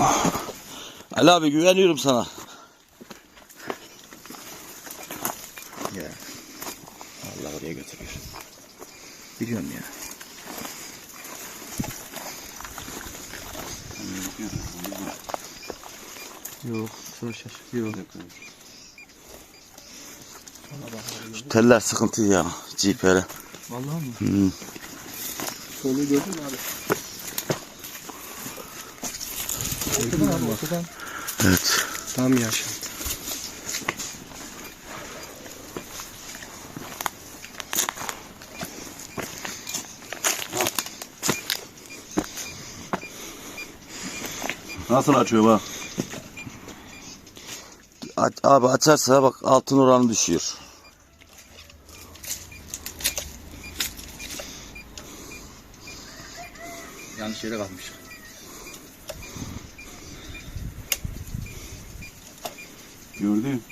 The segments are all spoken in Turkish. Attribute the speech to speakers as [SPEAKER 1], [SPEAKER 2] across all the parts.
[SPEAKER 1] Ali abi güveniyorum sana.
[SPEAKER 2] Ya. Allah oraya götürür. Biliyorum ya. Yok, sonra şaşırıyor.
[SPEAKER 1] Şu teller sıkıntı ya. GPR'e.
[SPEAKER 2] Vallahi mi?
[SPEAKER 3] Solu gördün mü abi?
[SPEAKER 2] Ortadan abi, ortadan.
[SPEAKER 1] Evet.
[SPEAKER 3] Tam yaşa.
[SPEAKER 1] Nasıl açıyor bak. Abi açarsa bak altın oranı düşüyor.
[SPEAKER 2] Yanlış yere kalmış.
[SPEAKER 1] Gördün.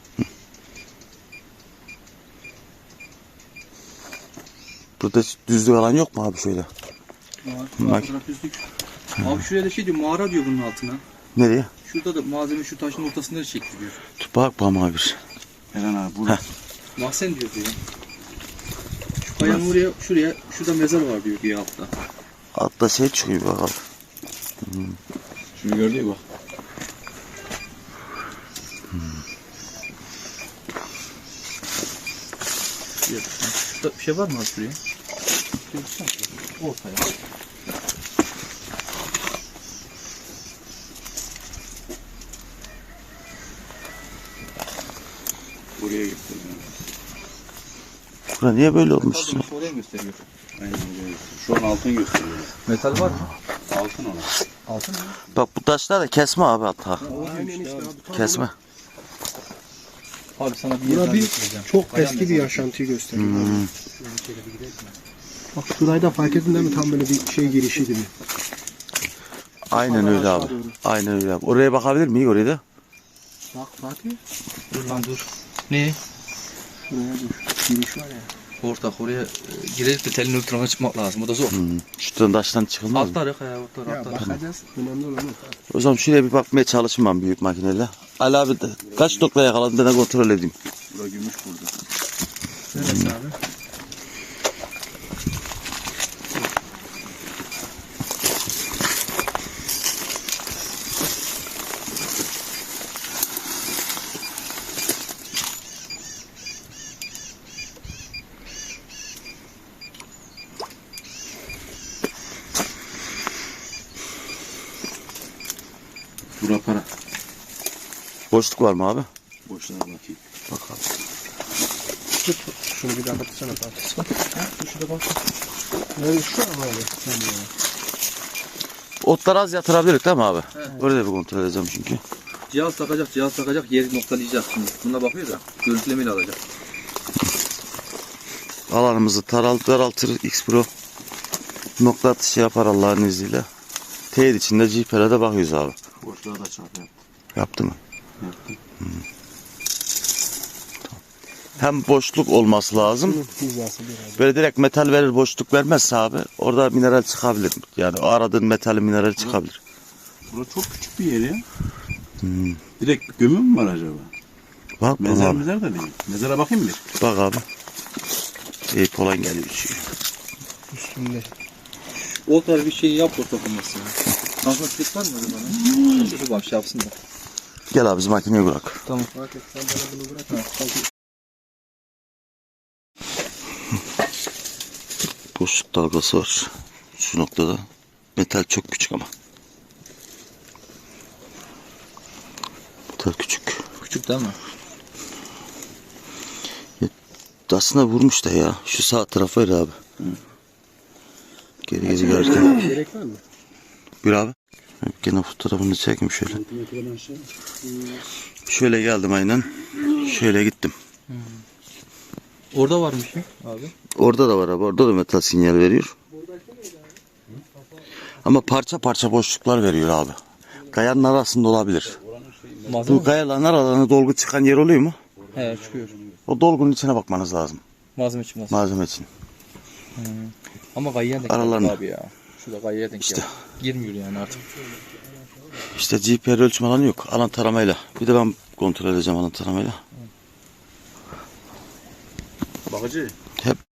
[SPEAKER 1] Burada düzlük alan yok mu abi şöyle?
[SPEAKER 2] Var. Abi şuraya da şey diyor, mağara diyor bunun altına.
[SPEAKER 1] Nereye?
[SPEAKER 2] Şurada da malzeme şu taşın ortasında çektiriyor.
[SPEAKER 1] Bak abi bir.
[SPEAKER 4] Eren abi burada.
[SPEAKER 2] Mahzen diyor ya. Şu kayanın oraya, şurada mezar var diyor bir altta.
[SPEAKER 1] Altta şey çıkıyor bak abi.
[SPEAKER 4] Şunu gördün mü bak.
[SPEAKER 2] Şurada bir şey var mı abi şuraya? Ortaya.
[SPEAKER 4] Buraya gösteriyor.
[SPEAKER 1] Bura niye böyle olmuş?
[SPEAKER 2] Oraya gösteriyor.
[SPEAKER 4] Aynen buraya gösteriyor. Şu an altın gösteriyor.
[SPEAKER 2] Metal var mı?
[SPEAKER 4] Altın ona.
[SPEAKER 2] Altın mı?
[SPEAKER 1] Bak bu taşlar da kesme abi hatta.
[SPEAKER 3] Aynen işte abi. Tam
[SPEAKER 1] Kesme.
[SPEAKER 2] Abi sana bir
[SPEAKER 3] Bura
[SPEAKER 2] yerden
[SPEAKER 3] bir
[SPEAKER 2] göstereceğim.
[SPEAKER 3] çok
[SPEAKER 2] Kayan
[SPEAKER 3] eski bir
[SPEAKER 2] mezarı.
[SPEAKER 3] yaşantıyı gösteriyor. Bak şurayı da fark ettin değil mi? Tam böyle bir şey girişi gibi.
[SPEAKER 1] Aynen öyle abi. Aynen öyle abi. Oraya bakabilir miyiz oraya da?
[SPEAKER 3] Bak Fatih.
[SPEAKER 2] Dur lan dur. Ne?
[SPEAKER 3] Şuraya dur. Giriş var ya.
[SPEAKER 2] Ortak oraya girerek de telin öbür tarafa çıkmak lazım. O da zor.
[SPEAKER 1] Şuradan taştan çıkılmaz mı?
[SPEAKER 2] Altlar yok ya, altlar,
[SPEAKER 3] Ya
[SPEAKER 2] altlar.
[SPEAKER 3] bakacağız. Önemli olan o.
[SPEAKER 1] O zaman şuraya bir bakmaya çalışayım ben büyük makineyle. Ali abi de kaç nokta yakaladım ben de kontrol edeyim.
[SPEAKER 4] Burada gümüş burada.
[SPEAKER 2] Neresi abi?
[SPEAKER 4] Bura para.
[SPEAKER 1] Boşluk var mı abi?
[SPEAKER 4] Boşluğa bakayım.
[SPEAKER 1] Bakalım.
[SPEAKER 3] Tut. Şunu bir daha baksana Fatih. Şurada bak. Nerede şu an abi?
[SPEAKER 1] Otları az yatırabiliriz değil mi abi? Orada bir kontrol edeceğim çünkü.
[SPEAKER 2] Cihaz takacak, yeri noktalayacak şimdi. Buna bakıyor da görüntülemeyle alacak.
[SPEAKER 1] Alanımızı daraltır X Pro. Nokta atışı yapar Allah'ın izniyle. Teyit içinde GPR'e bakıyoruz abi.
[SPEAKER 4] Boşluğa da çarp yaptı.
[SPEAKER 1] Yaptı mı?
[SPEAKER 4] Yaptı.
[SPEAKER 1] Hem boşluk olması lazım.
[SPEAKER 3] Hizası biraz.
[SPEAKER 1] Böyle direkt metal verir boşluk vermezse abi orada mineral çıkabilir. Yani o aradığın metalin mineral çıkabilir.
[SPEAKER 4] Bura çok küçük bir yer ya. Direkt gömü mü var acaba?
[SPEAKER 1] Bak
[SPEAKER 4] Mezar
[SPEAKER 1] abi.
[SPEAKER 4] mezar da değil. Mezara bakayım bir.
[SPEAKER 1] Bak abi. Eyüp olan geliyor şu.
[SPEAKER 3] Üstünde.
[SPEAKER 2] O tarz bir şey yap dokunması ya. Transfer var mı bana? Şu bak şey yapsın da.
[SPEAKER 1] Gel abi biz makineyi bırak.
[SPEAKER 2] Tamam.
[SPEAKER 3] Fatih sen bana bunu bırak.
[SPEAKER 1] Boşluk dalgası var. Şu noktada. Metal çok küçük ama. Metal küçük.
[SPEAKER 2] Küçük değil mi?
[SPEAKER 1] Aslında vurmuş da ya. Şu sağ tarafı öyle abi. Geri gelirken.
[SPEAKER 3] Gerek var mı?
[SPEAKER 1] Bir abi. Gene fotoğrafını çekeyim şöyle. Şöyle geldim aynen. Şöyle gittim.
[SPEAKER 2] Orada varmış ya abi.
[SPEAKER 1] Orada da var abi. Orada da metal sinyal veriyor. Ama parça parça boşluklar veriyor abi. Kayanın arasında olabilir.
[SPEAKER 2] Malzeme
[SPEAKER 1] Bu kayaların aralarına dolgu çıkan yer oluyor mu?
[SPEAKER 2] He çıkıyor.
[SPEAKER 1] O dolgunun içine bakmanız lazım.
[SPEAKER 2] Malzeme çıkmaz.
[SPEAKER 1] Malzeme için.
[SPEAKER 2] Ama kayıyan da
[SPEAKER 1] Aralarında.
[SPEAKER 2] abi ya. Şurada kayaya denk
[SPEAKER 1] İşte.
[SPEAKER 2] geldi. Girmiyor yani artık.
[SPEAKER 1] İşte GPR ölçüm alanı yok. Alan taramayla. Bir de ben kontrol edeceğim alan taramayla.
[SPEAKER 4] Bakıcı.
[SPEAKER 1] Hep